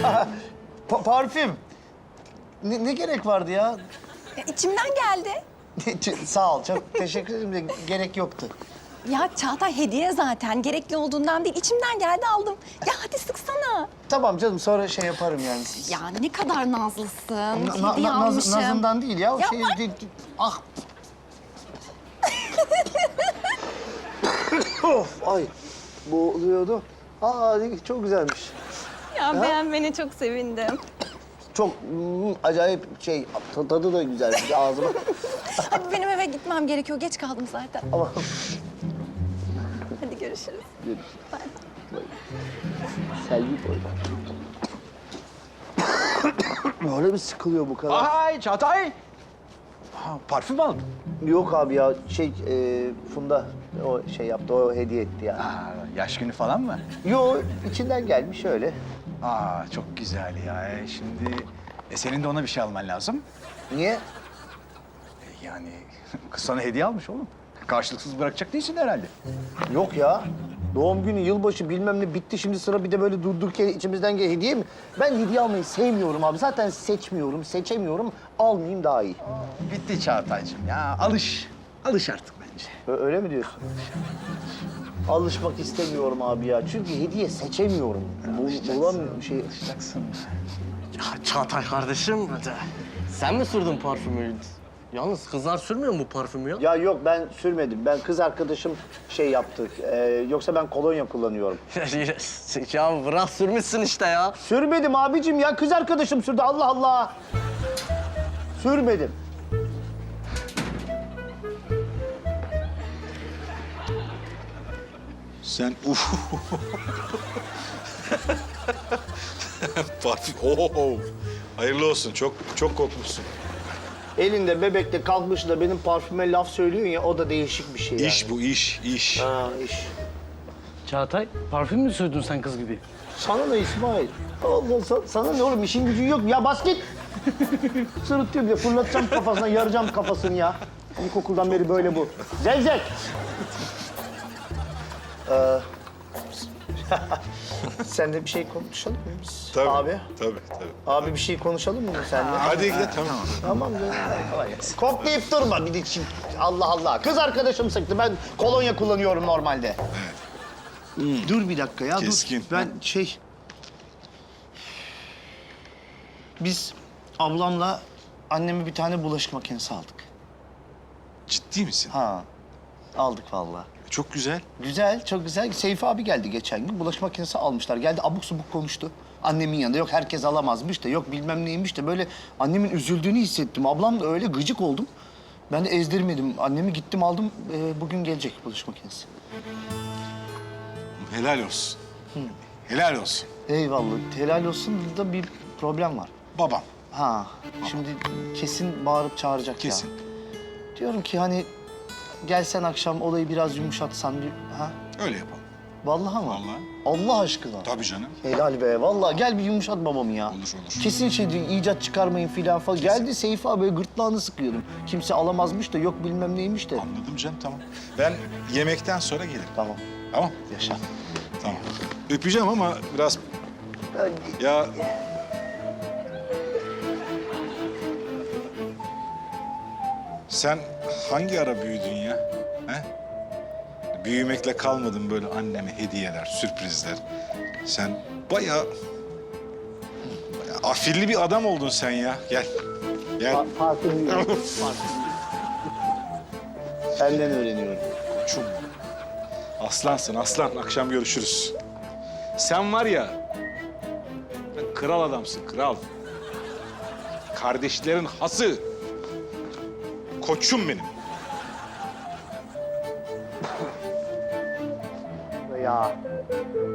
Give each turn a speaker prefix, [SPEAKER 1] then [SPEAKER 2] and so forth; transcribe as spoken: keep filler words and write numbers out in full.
[SPEAKER 1] Pa parfüm. Ne, ne gerek vardı ya?
[SPEAKER 2] Ya, içimden geldi.
[SPEAKER 1] Sağ ol, çok teşekkür ederim de gerek yoktu.
[SPEAKER 2] Ya Çağatay hediye zaten. Gerekli olduğundan değil. İçimden geldi aldım. Ya hadi sıksana.
[SPEAKER 1] Tamam canım, sonra şey yaparım yani.
[SPEAKER 2] Ya ne kadar nazlısın.
[SPEAKER 1] Na,
[SPEAKER 2] hediye
[SPEAKER 1] na, naz,
[SPEAKER 2] almışım.
[SPEAKER 1] nazından değil ya. O
[SPEAKER 2] Ya
[SPEAKER 1] şey,
[SPEAKER 2] bak-
[SPEAKER 1] de- de- ah. Of, ay. Boğuluyordu. Aa, çok güzelmiş.
[SPEAKER 2] Ya beğenmene çok sevindim.
[SPEAKER 1] Çok mm, acayip şey, tadı da güzelmiş ağzıma.
[SPEAKER 2] Hadi benim eve gitmem gerekiyor. Geç kaldım zaten.
[SPEAKER 1] Ama
[SPEAKER 2] Hadi görüşürüz.
[SPEAKER 1] Selvi boy. Böyle bir sıkılıyor bu kadar.
[SPEAKER 3] Ay Çağatay! Ha, parfüm aldın.
[SPEAKER 1] Yok abi ya, şey e, Funda o şey yaptı, o hediye etti ya.
[SPEAKER 3] Aa, yaş günü falan mı?
[SPEAKER 1] Yo, içinden gelmiş öyle.
[SPEAKER 3] Aa, çok güzel ya. E, Şimdi e, senin de ona bir şey alman lazım.
[SPEAKER 1] Niye?
[SPEAKER 3] E, yani kız sana hediye almış oğlum. Karşılıksız bırakacak değilsin herhalde.
[SPEAKER 1] Yok ya. Doğum günü, yılbaşı bilmem ne bitti. Şimdi sıra bir de böyle durduk yere içimizden gel hediye mi? Ben hediye almayı sevmiyorum abi. Zaten seçmiyorum, seçemiyorum. Almayayım daha iyi.
[SPEAKER 3] Bitti Çağatay'cığım ya. Alış. Alış artık bence.
[SPEAKER 1] Ö- öyle mi diyorsun? Alışmak istemiyorum abi ya. Çünkü hediye seçemiyorum. Bu, bulamıyorum şey.
[SPEAKER 3] Alışacaksın.
[SPEAKER 4] Ya Çağatay kardeşim, sen mi sürdün parfümü? Yalnız kızlar sürmüyor mu bu parfümü ya?
[SPEAKER 1] Ya yok, ben sürmedim. Ben kız arkadaşım şey yaptı. Ee, yoksa ben kolonya kullanıyorum.
[SPEAKER 4] Ya bırak sürmüşsün işte ya.
[SPEAKER 1] Sürmedim abicim ya. Kız arkadaşım sürdü. Allah Allah. Sürmedim.
[SPEAKER 5] Sen uf. Parfüm. Oo. Hayırlı olsun. Çok çok kokmuşsun.
[SPEAKER 1] Elinde bebekle kalkmış da benim parfüme laf söylüyorsun ya, o da değişik bir şey yani.
[SPEAKER 5] İş bu iş, iş.
[SPEAKER 1] Ha, iş.
[SPEAKER 4] Çağatay, parfüm mü sürdün sen kız gibi?
[SPEAKER 1] Sana ne İsmail? Allah, sa- sana ne oğlum, işin gücün yok mu? Ya bas git. Sırıtıyor bir de, fırlatacağım kafasına, yaracağım kafasını ya. İlkokuldan beri böyle bu. Zevzek. Ee, sen de bir şey konuşalım mı biz?
[SPEAKER 5] Tabii.
[SPEAKER 1] Abi.
[SPEAKER 5] Tabii, tabii.
[SPEAKER 1] Abi bir şey konuşalım mı seninle?
[SPEAKER 5] Hadi gidelim, tamam.
[SPEAKER 1] Tamam canım. Koklayıp durma bir de şimdi. Allah Allah. Kız arkadaşım sıktı. Ben kolonya kullanıyorum normalde. Dur bir dakika ya.
[SPEAKER 5] Keskin.
[SPEAKER 1] Dur. Ben şey... Biz ablamla anneme bir tane bulaşık makinesi aldık.
[SPEAKER 5] Ciddi misin?
[SPEAKER 1] Ha. Aldık vallahi.
[SPEAKER 5] Çok güzel.
[SPEAKER 1] Güzel, çok güzel. Seyfi abi geldi geçen gün. Bulaşık makinesi almışlar. Geldi abuk subuk konuştu. Annemin yanında yok herkes alamazmış da, yok bilmem neymiş de, böyle annemin üzüldüğünü hissettim. Ablam da öyle gıcık oldum. Ben de ezdirmedim. Annemi gittim aldım. Ee, bugün gelecek bulaşık makinesi.
[SPEAKER 5] Helal olsun. Helal olsun.
[SPEAKER 1] Eyvallah. Helal olsun. Burada bir problem var.
[SPEAKER 5] Babam.
[SPEAKER 1] Ha. Şimdi kesin bağırıp çağıracak
[SPEAKER 5] Kesin.
[SPEAKER 1] ya. Diyorum ki hani gelsen akşam olayı biraz yumuşatsan. Bir, ha?
[SPEAKER 5] Öyle yapalım.
[SPEAKER 1] Vallahi mı?
[SPEAKER 5] Vallahi.
[SPEAKER 1] Allah aşkına.
[SPEAKER 5] Tabii canım.
[SPEAKER 1] Helal be. Vallahi gel bir yumuşat babamı ya.
[SPEAKER 5] Olur, olur.
[SPEAKER 1] Kesin şey diyor, icat çıkarmayın filan falan. Geldi Seyfi abi, böyle gırtlağını sıkıyordum. Kimse alamazmış da, yok bilmem neymiş de.
[SPEAKER 5] Anladım canım, tamam. Ben yemekten sonra gelirim.
[SPEAKER 1] Tamam.
[SPEAKER 5] Tamam.
[SPEAKER 1] Yaşa.
[SPEAKER 5] Tamam. Öpeceğim ama biraz... Ya... Sen hangi ara büyüdün ya? He? Büyümekle kalmadın böyle anneme hediyeler, sürprizler. Sen bayağı... bayağı afilli bir adam oldun sen ya. Gel. Gel.
[SPEAKER 1] Fa- Farkındayım. Farkındayım. Senden öğreniyorum.
[SPEAKER 5] Koçum. Aslansın aslan. Akşam görüşürüz. Sen var ya... sen kral adamsın, kral. Kardeşlerin hası. Koçum benim.
[SPEAKER 1] Ya.